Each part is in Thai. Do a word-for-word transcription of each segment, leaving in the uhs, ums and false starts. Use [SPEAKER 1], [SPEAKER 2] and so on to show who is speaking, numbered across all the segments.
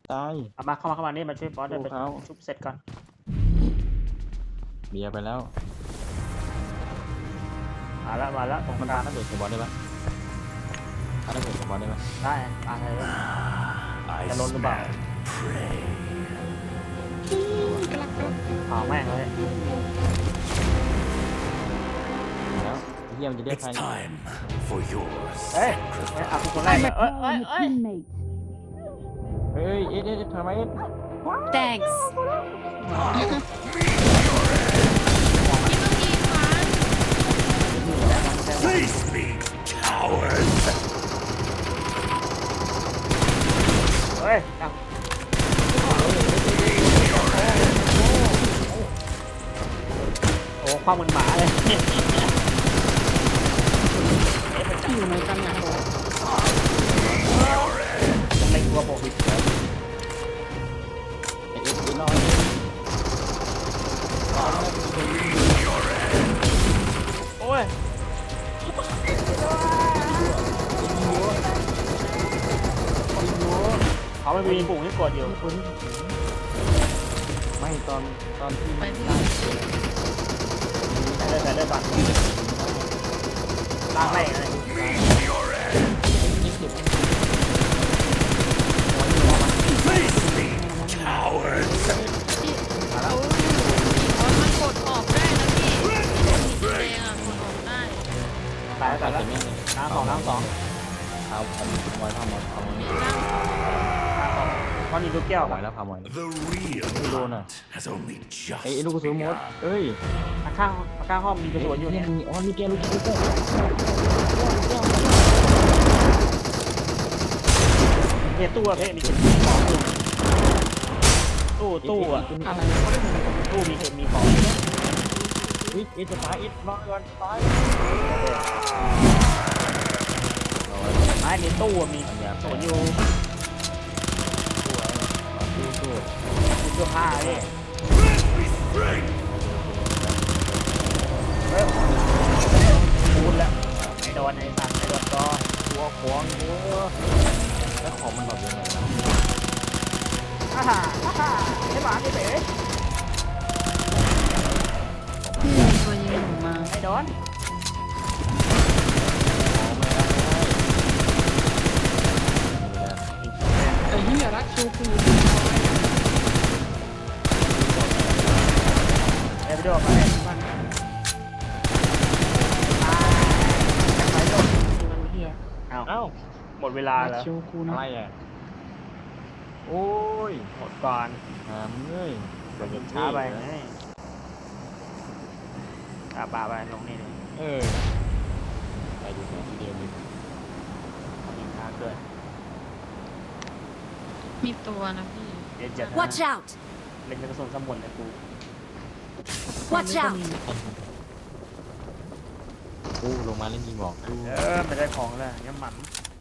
[SPEAKER 1] ตาย
[SPEAKER 2] เอามาเข้ามาเข้ามานี่มาช่วยบอสเดินไป
[SPEAKER 1] เขา
[SPEAKER 2] ชุบเสร็จก่อน
[SPEAKER 1] เบียร์ไปแล้ว
[SPEAKER 2] มาแล้วมาแล้วตรง
[SPEAKER 1] มัน
[SPEAKER 2] กลา
[SPEAKER 1] ปาง ระเบิดใส่บอลได้ปะปาระเบิดใส่บอลได้ปะ
[SPEAKER 2] ได้ปาเลยจะล้นหรือเปล่าเผาแม่งเลย
[SPEAKER 1] แล้วไอ้เหี้ยมันจะได้
[SPEAKER 3] It's
[SPEAKER 1] ใคร
[SPEAKER 3] time for your
[SPEAKER 2] เฮ้ยเฮ้ยเอาคนแรกเลยเอ้ยเอ้ยเอ้ย
[SPEAKER 4] Teammate.
[SPEAKER 1] เฮ้ยเอ็ดเอ็ดเอ็ดทำไมเอ็ด
[SPEAKER 4] Thanks.
[SPEAKER 3] sacrifice. Face me, cowards!
[SPEAKER 2] เฮ้ยเอาโอ้ความเหมือนหมาเลย
[SPEAKER 4] อยู่ในตำแหน่ง
[SPEAKER 2] จะเล็งตัวผมอีก
[SPEAKER 1] เอ็ดเอ็ดเอ็ดรอด
[SPEAKER 2] โอ้ยเขาไม่มีปุ่มให้กดอยู่
[SPEAKER 1] ไม่ตอนตอนที่
[SPEAKER 4] ไปพี่
[SPEAKER 2] ได้เลยได้เลยบัตรล่างแรกเลย
[SPEAKER 3] Face me, cowards!
[SPEAKER 5] เขาเขามันกดออกได้นะพี่สีแดงอ่ะกดออกได้
[SPEAKER 2] ตายแล้วตายแล้ว
[SPEAKER 1] ไม่เลย
[SPEAKER 2] น้ำสองน้ำสอง
[SPEAKER 1] เอาเอามอยพามอยพามอย
[SPEAKER 5] มีร่าง
[SPEAKER 2] น้ำสองเพราะนี่ลูกแก้ว
[SPEAKER 1] พามอยแล้วพามอย
[SPEAKER 3] The real
[SPEAKER 1] Luna.
[SPEAKER 3] hunt has only just
[SPEAKER 1] ไอ้ลูกกระสุนหมดเอ้ย
[SPEAKER 2] ข้างข้างห้องมีกระสุนอยู่เนี่ย
[SPEAKER 1] มีอ๋อมีแกลูกแก้วลูกแก้ว
[SPEAKER 2] เฮ้ตู้อะเพ่มีเก็บของอยู่ตู้ตู้อะ
[SPEAKER 4] อะไร
[SPEAKER 2] ตู้มีเก็บมีของ
[SPEAKER 1] อิดอิดจะตายอิดรอก่อนตาย
[SPEAKER 2] ไม้ในตู้อะมีกระสุนอยู่
[SPEAKER 1] สู้สู้
[SPEAKER 2] มีเสื้อผ้าเนี่ย
[SPEAKER 3] strength!
[SPEAKER 2] เฮ้ยพูดแล้วไม่โดนไอ้สัตว์ไม่โดนก็
[SPEAKER 1] ตัวขวางเยอะแล้วของมันแบบยังไงนะ
[SPEAKER 2] ฮ่าฮ่าฮ่าฮ่าไอ้หมาไอ้เป๋
[SPEAKER 4] พี่ตัวยิงหนูมา
[SPEAKER 2] ไม่โดน
[SPEAKER 4] ไอ้เหี้ยรักคิวคือ
[SPEAKER 2] เดี๋ยวไปดูมาเลยมันตายไปโดน
[SPEAKER 4] มันเหี้ย
[SPEAKER 2] เอ้า
[SPEAKER 1] เอ้า
[SPEAKER 2] หมดเวลา
[SPEAKER 4] รัก
[SPEAKER 2] แล้ว
[SPEAKER 4] คิวกู
[SPEAKER 1] อะ
[SPEAKER 4] นะ
[SPEAKER 1] ไรอ่ะโอ้ย
[SPEAKER 2] หมดก่อน
[SPEAKER 1] หามเงย
[SPEAKER 2] เดี๋ยวช้าไปไงตาปลาไปลงนี่เลย
[SPEAKER 1] เออไปดูแผนที่เดียวดิ
[SPEAKER 2] ยิงช้าเกิน
[SPEAKER 5] มีตัวนะพี่
[SPEAKER 2] เดี๋ยวจะนะ
[SPEAKER 6] Watch out!
[SPEAKER 2] เล่นกระสุนสมุนเลยกู
[SPEAKER 6] Watch out!
[SPEAKER 1] กูลงมาเล่นยิงบอกกู
[SPEAKER 2] เออไม่ได้ของแล้วยังหมัน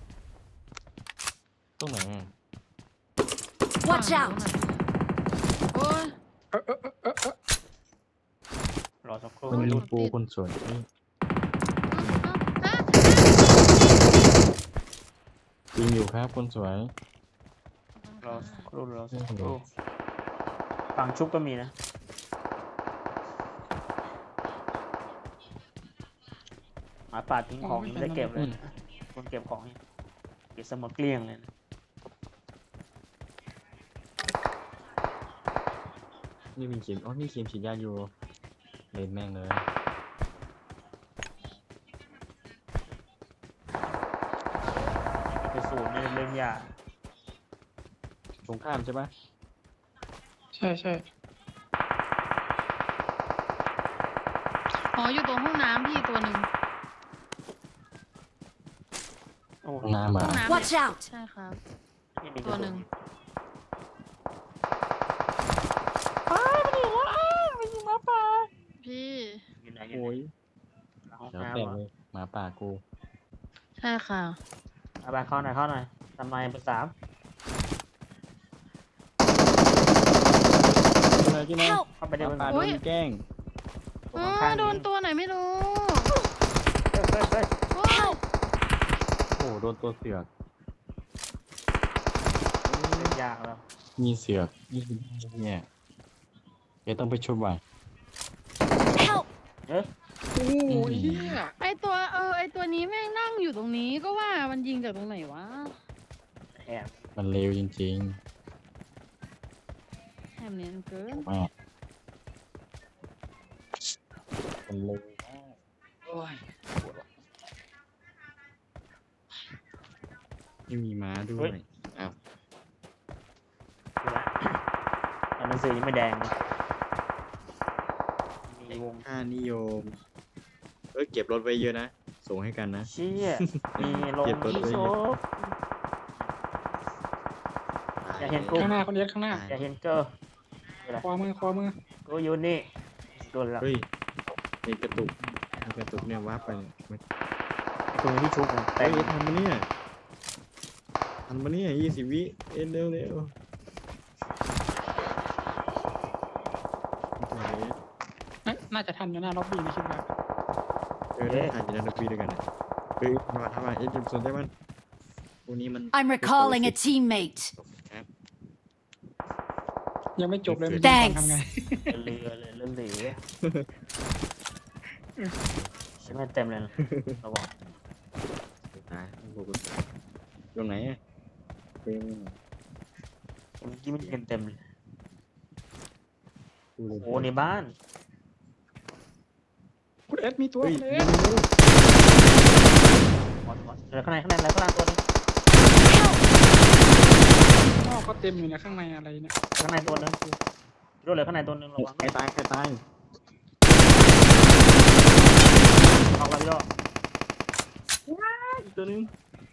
[SPEAKER 1] ตรงไหนอ่ะ
[SPEAKER 6] Watch out!
[SPEAKER 5] โอ้ย
[SPEAKER 2] รอสักครู่
[SPEAKER 1] มัน
[SPEAKER 2] ไม่
[SPEAKER 1] ยิ
[SPEAKER 2] รู้
[SPEAKER 1] งกูคนสวยนี่
[SPEAKER 5] อ่ะ
[SPEAKER 1] ยิงอยู่ครับคนสวย
[SPEAKER 2] รอสักครู่รอสักครู่ฝั่งชุบก็มีนะหมาป่าทิ้งของยังไม่ได้เก็บเลยคนเก็บของนี่เก็บสมดเกลี้ยงเลยนะ
[SPEAKER 1] นี่มีเข็มอ๋อนี่เข็มฉีดยาอยู่เล่นแม่งเลย
[SPEAKER 2] กระสุนนี่เล่นยาก
[SPEAKER 1] ตรงข้ามใช่ปะ
[SPEAKER 4] ใช่ใช่
[SPEAKER 5] อ๋ออยู่ตรงห้องน้ำพี่ตัวหนึ่ง
[SPEAKER 2] โอ้
[SPEAKER 1] ห้องน้ำอ่ะ
[SPEAKER 5] ห้องน้ำ
[SPEAKER 6] Watch
[SPEAKER 5] เนี่ย
[SPEAKER 6] out!
[SPEAKER 5] ใช่ครับ
[SPEAKER 2] ไม่มีก
[SPEAKER 5] ตั
[SPEAKER 2] ระ
[SPEAKER 5] วห
[SPEAKER 2] สุ
[SPEAKER 5] นึ่
[SPEAKER 2] น
[SPEAKER 5] ง พี่
[SPEAKER 2] อยู่ไหนอยู่
[SPEAKER 1] โอ้ย
[SPEAKER 2] ไหนห้อง
[SPEAKER 1] เดี๋ยว
[SPEAKER 2] น้ำ
[SPEAKER 1] แตก
[SPEAKER 2] เหรอ
[SPEAKER 1] เลยหมาป่ากู
[SPEAKER 5] ใช่ค่ะ
[SPEAKER 2] เอาไปเข้าหน่อยเข้าหน่อยทำไมเป็นสาม
[SPEAKER 1] เลยที่ไหน
[SPEAKER 6] Help!
[SPEAKER 2] เข้าไป
[SPEAKER 1] ห
[SPEAKER 2] ได้
[SPEAKER 1] มา
[SPEAKER 2] เป็น
[SPEAKER 1] ป่า
[SPEAKER 2] สาม
[SPEAKER 1] โดนแกล้ง
[SPEAKER 2] ตัว
[SPEAKER 5] อ๋อ
[SPEAKER 2] ข้างๆ
[SPEAKER 5] โดนตัวไหนไม่รู้
[SPEAKER 2] เฮ้ยเฮ้ยเฮ้ย
[SPEAKER 5] โอ้ย
[SPEAKER 1] โอ้โหโดนตัวเสือก
[SPEAKER 2] เล่นยยากแล้ว
[SPEAKER 1] มีเสือกยี่สิบเนี่ยแกต้องไปชมว่ะ
[SPEAKER 6] Help!
[SPEAKER 2] เอ๊ะ
[SPEAKER 4] โอ้ยเฮีย
[SPEAKER 5] ไอตัวเออไอตัวนี้แม่งนั่งอยู่ตรงนี้ก็ว่ามันยิงจากตรงไหนวะ
[SPEAKER 2] แอบ
[SPEAKER 1] มันเร็วจริง
[SPEAKER 5] แถมเนียนเกิน
[SPEAKER 1] ๆมากมันเร็วมาก
[SPEAKER 4] โอ้ย
[SPEAKER 1] ไม่มีม้าด้วยอ้าว
[SPEAKER 2] ดูนะแต่หนังสือยังไม่แดงนะมีวง
[SPEAKER 1] ค่านิยมเอ้ยเก็บรถไว้เยอะนะส่งให้กันนะ
[SPEAKER 2] เชี่ยมีลง
[SPEAKER 1] เก็บรถ
[SPEAKER 2] อี
[SPEAKER 1] ไว้
[SPEAKER 2] โซ
[SPEAKER 1] เยอะ
[SPEAKER 2] อย่าเห็นกู
[SPEAKER 4] ข้างหน้าคนเดียวข้างหน้า
[SPEAKER 2] อย่าเห็นเกอร์
[SPEAKER 4] ขวามือขวามือ
[SPEAKER 2] กูอยู่นี่โดนแล้ว
[SPEAKER 1] เฮ้ยเห็นกระตุกเห็นกระตุกเนี่ยวับไปเนี่ยมัน
[SPEAKER 2] ตรงนี้ที่ชุบมัน
[SPEAKER 1] เฮ้
[SPEAKER 2] เต็
[SPEAKER 1] ย
[SPEAKER 2] ม
[SPEAKER 1] ทันมาเนี่ยทันมาเนี่ยยี่สิบวิเอ็นเร็วเร็ว
[SPEAKER 4] เอ๊ะน่าจะทันอยู่หน้าล็อบบี้นะคิดว่า
[SPEAKER 1] เออได้ทานจะได้ดนตรีด้วยกันนะเฮ้ยมาทำไมเอ็มสนใจมันพวกนี้มัน
[SPEAKER 6] I'm recalling a teammate.
[SPEAKER 1] ครับ
[SPEAKER 4] ยังไม่จบเลยมัน
[SPEAKER 6] Thanks
[SPEAKER 4] ทำไง
[SPEAKER 2] เรือเลยเรือเหลือใช่ไหมเต็มเลยนะระวัง
[SPEAKER 1] ตายพวกกูตายตรงไหนอ่ะเป็น
[SPEAKER 2] เมื่อกี้มันยิงกันเต็มเลย
[SPEAKER 1] กูเลย
[SPEAKER 2] โอ้ในบ้าน
[SPEAKER 4] คุณเอสมีตัว
[SPEAKER 1] เฮ้ย
[SPEAKER 4] คุณเอ
[SPEAKER 1] เร็
[SPEAKER 4] ส
[SPEAKER 1] วเร็ว
[SPEAKER 2] หมดหมดเหลือข้างในข้างในอะไรข้างล่างตัวนึง
[SPEAKER 4] นอกก็เต็มอยู่เนี่ยข้างในอะไรเนี่ย
[SPEAKER 2] ข้างในตัวนึงรถเหลือข้างในตัวนึงระวัง
[SPEAKER 1] ใครตายใครตาย
[SPEAKER 2] เอาไปย่อ
[SPEAKER 1] อีกตัวนึง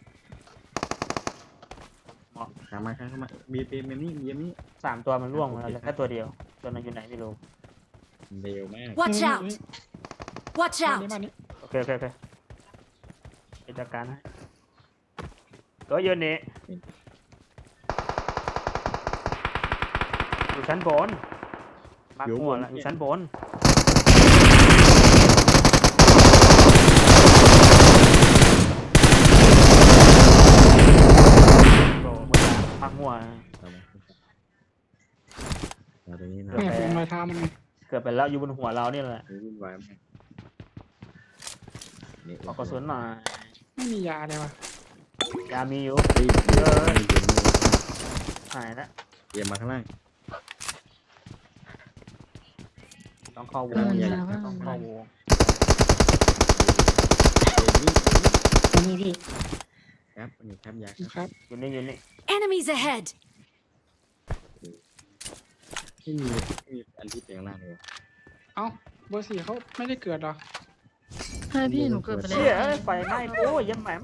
[SPEAKER 2] หมอ
[SPEAKER 1] ขามาข้างเข้ามาเบียร์เบียร์เบียร์นี่เบียร์นี่
[SPEAKER 2] สามตัวมันร่วงมาแล้วเหลือแค่ตัวเดียวตัวนั้นอยู่ไหนไม่รู้
[SPEAKER 1] เร็วมาก
[SPEAKER 6] Watch out! Watch
[SPEAKER 4] บ้าน
[SPEAKER 6] out!
[SPEAKER 4] นี้บ้านนี้
[SPEAKER 2] โอเคโอเคโอเคกิจการให้ตัวยืนนี่อยู่ชั้นบนมาร์คหัวแล้วอยู่ชั้นบนโอ้โหพักหัว
[SPEAKER 1] เอามาเอาตรงนี้นะ
[SPEAKER 4] เนี่ยเป็นรอยเท้ามันไง
[SPEAKER 2] เกือบไปแล้วอยู่บนหัวเรานี่แหละ
[SPEAKER 1] เฮ้ยวุ่นวายมากนี่
[SPEAKER 2] ขอกระสุนหน่อย
[SPEAKER 4] ไม่มียาเลยวะ
[SPEAKER 2] ยามีอยู่
[SPEAKER 1] เฮ้ยเดี๋ยวเดี๋ยวเดี๋ยว
[SPEAKER 2] หายแล้ว
[SPEAKER 1] เดี๋ยวมาข้างล่าง
[SPEAKER 2] ต้องเข้าวง
[SPEAKER 1] ใหญ่
[SPEAKER 2] ต้องเข้าวง
[SPEAKER 1] เดี๋ยวนี่
[SPEAKER 4] อันนี้พี่
[SPEAKER 1] ครับอันนี้ครับยา
[SPEAKER 4] ครับ
[SPEAKER 2] อยู่นี่อยู่นี่
[SPEAKER 6] Enemies ahead!
[SPEAKER 1] ที่มีที่มีอันที่เป็นข้างล่างเลยวะ
[SPEAKER 4] เอ้าเบอร์สี่เขาไม่ได้เกิดเหรอ
[SPEAKER 5] ใช่พี่หนูเกิดไปแล้
[SPEAKER 2] เชี่
[SPEAKER 5] วย
[SPEAKER 2] เอ้ยไฟไหม้โอ้ยยังแหม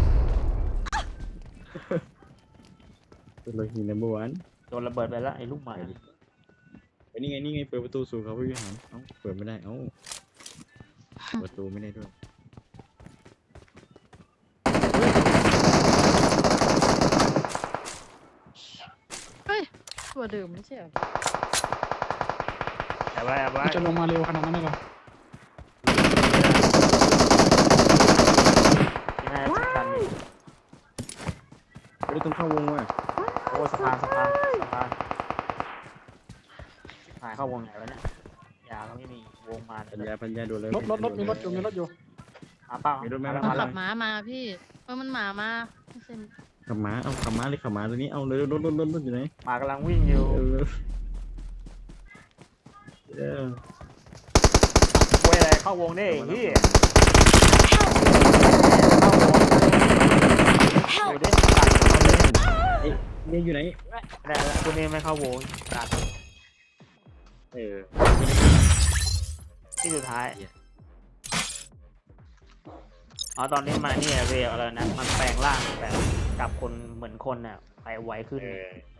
[SPEAKER 1] เป็นโลหิตในเมื่อวาน
[SPEAKER 2] โดนระเบิดไปแล้วไอ้ลูกหมา
[SPEAKER 1] ไอ้นี่ไงนี่ไงเปิดประตูสู่เขาผู้วิหารเอ้าเปิดไม่ได้เอ้าเปิดประตูไม่ได้ด้วย
[SPEAKER 5] เฮ้ยตัวเดิมไม่ใช่เหรอ
[SPEAKER 2] แต่ว่าแต่ว่า
[SPEAKER 4] มันจะลงมาเร็วขนาดนั้นเลยเหรอ
[SPEAKER 2] ที่น่าจะสำคัญ
[SPEAKER 1] เฮ้ยต้องเข้าวงว่ะ
[SPEAKER 2] โอ้สะพานสะพานสะพานหายเข้าวงไหนวะเนี่ยยาก็ไม่มีวงมา
[SPEAKER 1] ปัญ
[SPEAKER 2] เลย
[SPEAKER 1] ญาปัญญาดูเลย
[SPEAKER 4] รถรถรถมีรถอยู่มีรถอยู่
[SPEAKER 2] มาเปล่า
[SPEAKER 1] มีรถไหม
[SPEAKER 2] มา
[SPEAKER 5] มัน
[SPEAKER 2] แล้
[SPEAKER 5] ขั
[SPEAKER 2] ว
[SPEAKER 5] บม้ามาพี่เออมันหมามาไม่ใช่
[SPEAKER 1] ขับม้าเอาขับม้าเลยขับม้าตัวนี้เอาเลยรถรถรถรถอยู่ไหน
[SPEAKER 2] หมากำลังวิ่งอยู่
[SPEAKER 1] เออเออ
[SPEAKER 2] เว้ยอะไรเข้าวงได้ที่
[SPEAKER 6] Help!
[SPEAKER 2] เดี๋ยวดิตัดเอาเลย
[SPEAKER 1] เอ๊ะนี่อยู่ไหน
[SPEAKER 2] ได้แล้วตัวนี้ไม่เข้าวงตัด
[SPEAKER 1] เออ
[SPEAKER 2] ที่สุดท้าย
[SPEAKER 1] เหี้ย
[SPEAKER 2] อ๋อตอนนี้มาเนี่ยเวลอะไรนะมันแปลงร่างแบบกับคนเหมือนคนน่ะไปไวขึ้น
[SPEAKER 1] เออ